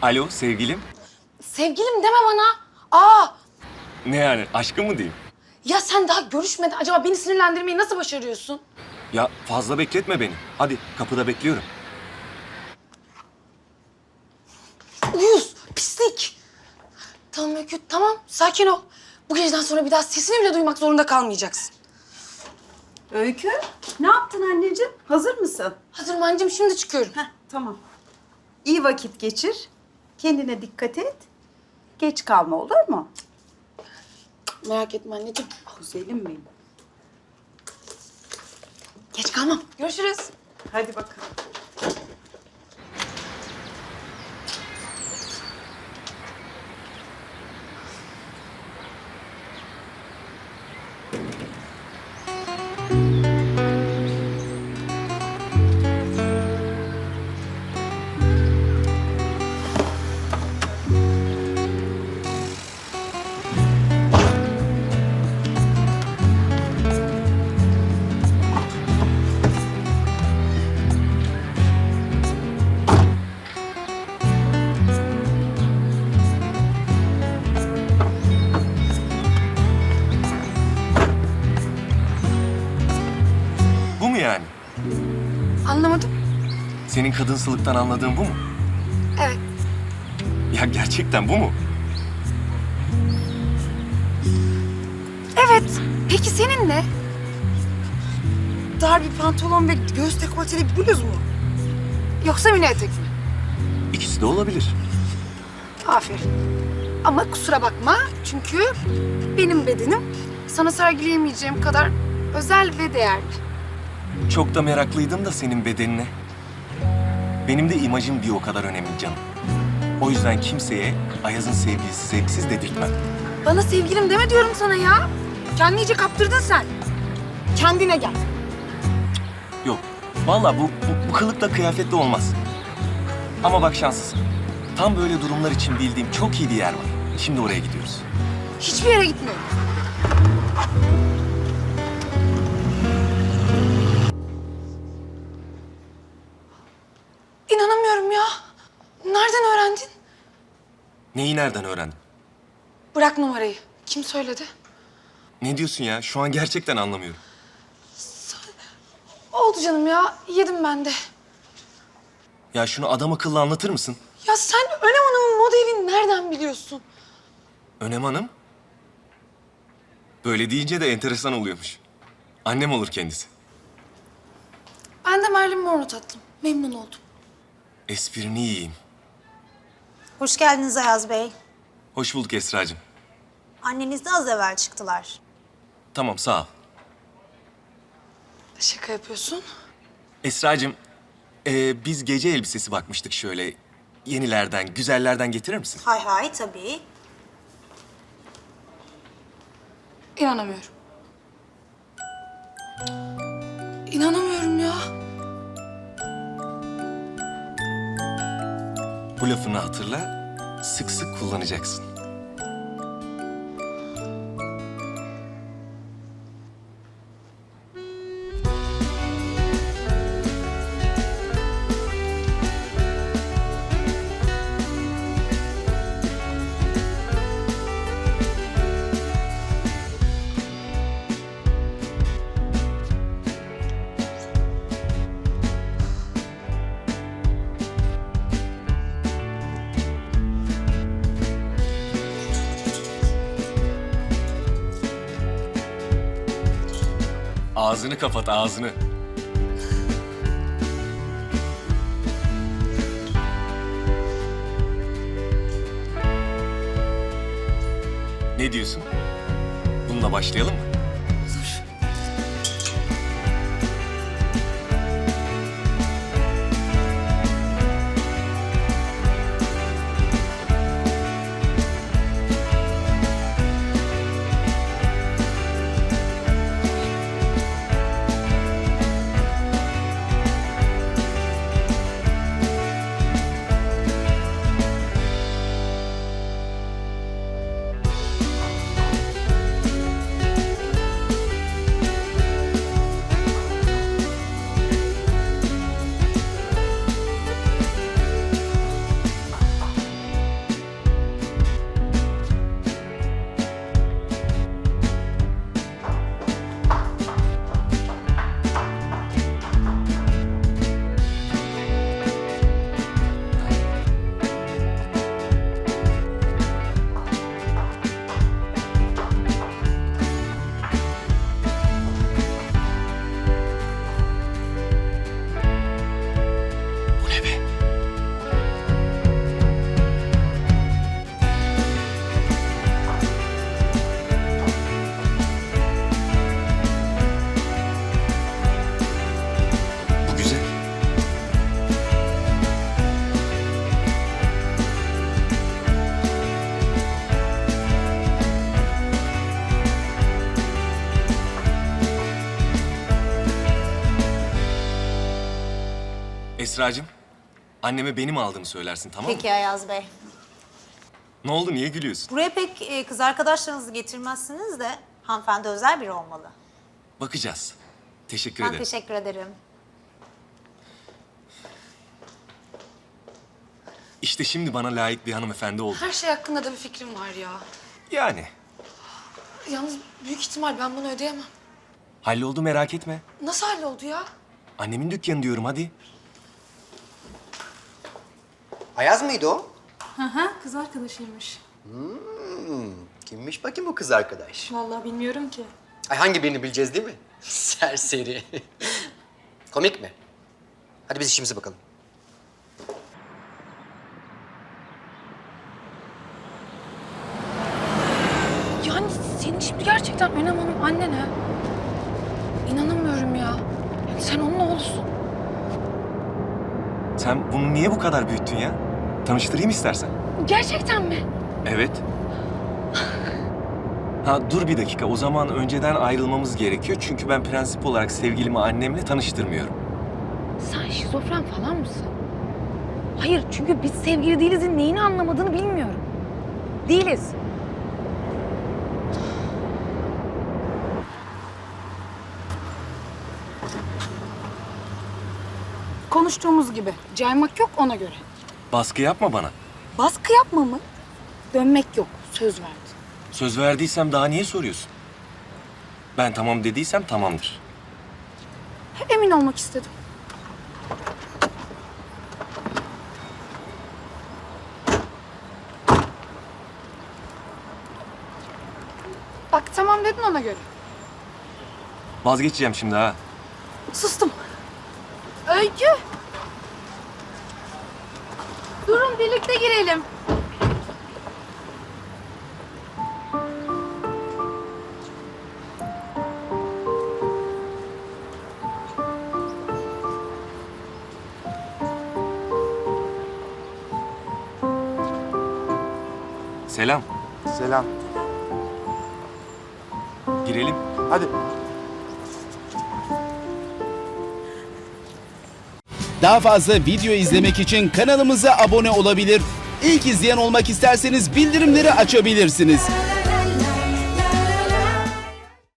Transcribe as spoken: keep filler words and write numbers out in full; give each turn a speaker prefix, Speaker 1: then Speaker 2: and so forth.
Speaker 1: Alo sevgilim.
Speaker 2: Sevgilim deme bana. Aa,
Speaker 1: Ne yani aşkım mı diyeyim?
Speaker 2: ya sen daha görüşmeden acaba beni sinirlendirmeyi nasıl başarıyorsun?
Speaker 1: Ya fazla bekletme beni. Hadi kapıda bekliyorum.
Speaker 2: Uyuz, pislik. Tamam Öykü, tamam. Sakin ol. Bu geceden sonra bir daha sesini bile duymak zorunda kalmayacaksın.
Speaker 3: Öykü, ne yaptın anneciğim? Hazır mısın?
Speaker 2: Hazırım anneciğim, şimdi çıkıyorum.
Speaker 3: Heh, tamam. İyi vakit geçir. Kendine dikkat et. Geç kalma, olur mu?
Speaker 2: Merak etme anneciğim.
Speaker 3: Güzelim benim.
Speaker 2: Geç kalmam. Görüşürüz.
Speaker 3: Hadi bakalım.
Speaker 1: Bu mu yani?
Speaker 2: Anlamadım.
Speaker 1: Senin kadınsılıktan anladığın bu mu?
Speaker 2: Evet.
Speaker 1: Ya gerçekten bu mu?
Speaker 2: Evet. Peki senin ne? Dar bir pantolon ve göğüs dekolteli bir bluz mu? Yoksa mini etek mi?
Speaker 1: İkisi de olabilir.
Speaker 2: Aferin. Ama kusura bakma çünkü benim bedenim sana sergileyemeyeceğim kadar özel ve değerli.
Speaker 1: Çok da meraklıydım da senin bedenine. Benim de imajım bir o kadar önemli canım. O yüzden kimseye Ayaz'ın sevgilisi zevksiz dedirtmem.
Speaker 2: Bana sevgilim deme diyorum sana ya. Kendini iyice kaptırdın sen. Kendine gel.
Speaker 1: Yok. Vallahi bu, bu, bu kılıkla kıyafetle olmaz. Ama bak şanslısın. Tam böyle durumlar için bildiğim çok iyi bir yer var. Şimdi oraya gidiyoruz.
Speaker 2: Hiçbir yere gitmiyorum. İnanamıyorum ya. Nereden öğrendin?
Speaker 1: Neyi nereden öğrendin?
Speaker 2: Bırak numarayı. Kim söyledi?
Speaker 1: Ne diyorsun ya? Şu an gerçekten anlamıyorum.
Speaker 2: Oldu canım ya. Yedim ben de.
Speaker 1: Ya şunu adam akıllı anlatır mısın?
Speaker 2: Ya sen Önem Hanım'ın moda evini nereden biliyorsun?
Speaker 1: Önem Hanım. Böyle deyince de enteresan oluyormuş. Annem olur kendisi.
Speaker 2: Ben de Marilyn Monroe tatlım. Memnun oldum.
Speaker 1: Esprini yiyeyim.
Speaker 4: Hoş geldiniz Ayaz Bey.
Speaker 1: Hoş bulduk Esra'cığım.
Speaker 4: Anneniz de az evvel çıktılar.
Speaker 1: Tamam sağ ol.
Speaker 2: Şaka yapıyorsun.
Speaker 1: Esra'cığım, ee, biz gece elbisesi bakmıştık şöyle. Yenilerden, güzellerden getirir misin?
Speaker 4: Hay hay tabii.
Speaker 2: İnanamıyorum. İnanamıyorum ya.
Speaker 1: Bu lafını hatırla, sık sık kullanacaksın. Ağzını kapat, ağzını. Ne diyorsun? Bununla başlayalım mı? Esra'cığım, anneme benim aldığımı söylersin, tamam mı?
Speaker 4: Peki Ayaz Bey.
Speaker 1: Ne oldu, niye gülüyorsun?
Speaker 4: Buraya pek e, kız arkadaşlarınızı getirmezsiniz de hanımefendi özel biri olmalı.
Speaker 1: Bakacağız. Teşekkür
Speaker 4: Ben
Speaker 1: ederim.
Speaker 4: teşekkür ederim.
Speaker 1: İşte şimdi bana layık bir hanımefendi oldu.
Speaker 2: Her şey hakkında da bir fikrim var ya.
Speaker 1: Yani.
Speaker 2: Yalnız büyük ihtimal ben bunu ödeyemem.
Speaker 1: Halloldu, merak etme.
Speaker 2: Nasıl halloldu ya?
Speaker 1: Annemin dükkanı diyorum, hadi.
Speaker 5: Ayaz mıydı o?
Speaker 6: Kız arkadaşıymış.
Speaker 5: Kimmiş bakayım bu kız arkadaş?
Speaker 6: Vallahi bilmiyorum ki.
Speaker 5: Ay hangi birini bileceğiz değil mi? Serseri. Komik mi? Hadi biz işimize bakalım.
Speaker 2: Yani senin şimdi gerçekten Önem Hanım annen ha? İnanamıyorum ya. Yani sen onun oğlusun.
Speaker 1: Sen bunu niye bu kadar büyüttün ya? Tanıştırayım istersen.
Speaker 2: Gerçekten mi?
Speaker 1: Evet. Ha dur bir dakika, o zaman önceden ayrılmamız gerekiyor. Çünkü ben prensip olarak sevgilimi annemle tanıştırmıyorum.
Speaker 2: Sen şizofren falan mısın? Hayır, çünkü biz sevgili değilizin neyini anlamadığını bilmiyorum. Değiliz. Konuştuğumuz gibi. Caymak yok ona göre.
Speaker 1: Baskı yapma bana.
Speaker 2: Baskı yapma mı? Dönmek yok. Söz verdi.
Speaker 1: Söz verdiysem daha niye soruyorsun? Ben tamam dediysem tamamdır.
Speaker 2: Emin olmak istedim. Bak tamam dedin ona göre.
Speaker 1: Vazgeçeceğim şimdi ha.
Speaker 2: Sustum. Öykü. Durun birlikte girelim.
Speaker 1: Selam.
Speaker 7: Selam.
Speaker 1: Girelim.
Speaker 7: Hadi.
Speaker 8: Daha fazla video izlemek için kanalımıza abone olabilir. İlk izleyen olmak isterseniz bildirimleri açabilirsiniz.